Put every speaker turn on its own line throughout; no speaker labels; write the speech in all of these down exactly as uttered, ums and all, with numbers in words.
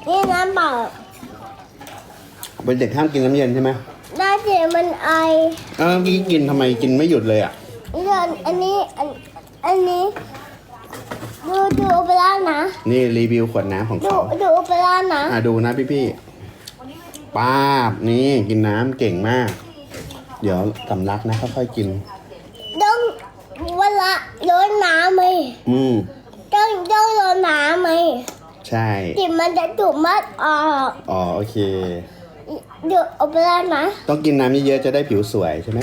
นี่น้ำเปล่า
เป็นเด็กห้ามกินน้ำเย็นใช่ไหม
ได้เดี๋ยวมันไอ
เออพี่กินทำไมกินไม่หยุดเลยอ่ะ
เรื่องอันนี้อันอันนี้ดูดูโอเปร่านะ
นี่รีวิวขวดน้ำของ
ดู
เขา
ดูโอเปร่านะ
อ่ะดูนะพี่พี่ๆป้าบนี่กินน้ำเก่งมาก เดี๋ยวสำลักนะค่อยๆกิน
ต้องเวลาโดนน้ำไหม
อืม
ต้องต้องโดนน้ำไหม
ใช่
จิตมันจะถูกมัดออก
อ๋อโอเค
ดูโอเปร่านะ
ต้องกินน้ำเยอะๆจะได้ผิวสวยใช่ไหม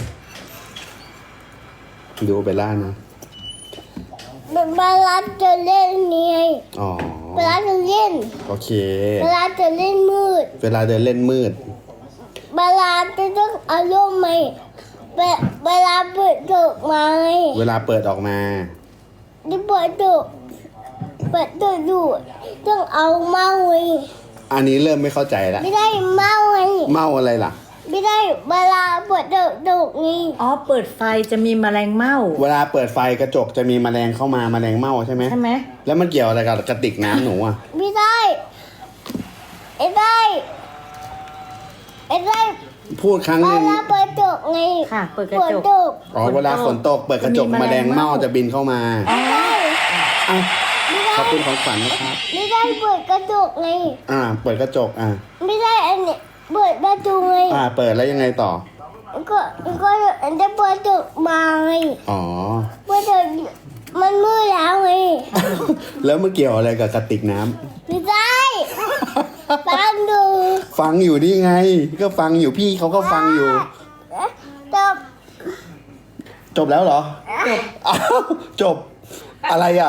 ดูเบลล่านะ
เวลาจะเล่นนี่ไง
อ๋อ
เวลาจะเล่น
โอเค
เวลาจะเล่นมืด
เวลาเดินเล่นมืด
เวลาจะต้องอารมณ์ไหมเวเวลาเปิดถูกไหม
เวลาเปิดออกมา
ที่เปิดถูกเปิดถูกอยู่ต้องเอาเมาไว้
อันนี้เริ่มไม่เข้าใจแล้ว
ไม่ได้เมาไง
เมาอะไรล่ะ
ไม่ได้เวลาเปิดถูกถูกไง
อ๋อเปิดไฟจะมีแมลงเม่า
เวลาเปิดไฟกระจกจะมีแมลงเข้ามาแมลงเม่าใช่ไหม
ใช่ไหม
แล้วมันเกี่ยวอะไรกับกระติกน้ำหนูอ่ะ
ไม่ได้ไม่ได้ไม่ได้
พูดครั้ง
เว
หนึง
ลาเปิดถูกไง
ค่ะ เปิดกระ
เปิด
จก
ถูก
อ๋อเวลาฝนตกเปิดกระจก
จะมี
แม
แม
ล
ล
ง
ง
เม่า
เม่า
จะบินเข้ามา
ไม่ได้
อ่ะ
ไม่
ข
ได้
อบคุณของขวัญนะครับ
ไม่ได้เปิดกระจกไง
อ่า เปิดกระจกอ่ะ
ไม่ได้อันนี้เปิดประตูไง
อ่า เปิดแล้วยังไงต่อ
ก็ก็อันจะเปิดถูกมาไง
อ๋อ
เปิดถูกมันมืดแล้วไง
แล้วมันเกี่ยวอะไรกับกระติกน้ำ
ไม่ได้ฟังดู
ฟังอยู่นี่ไง ก็ฟังอยู่พี่เขาก็ฟังอยู่
จบ
จบแล้วเหรอ จบ อ้าวจบ อะไรอ่ะ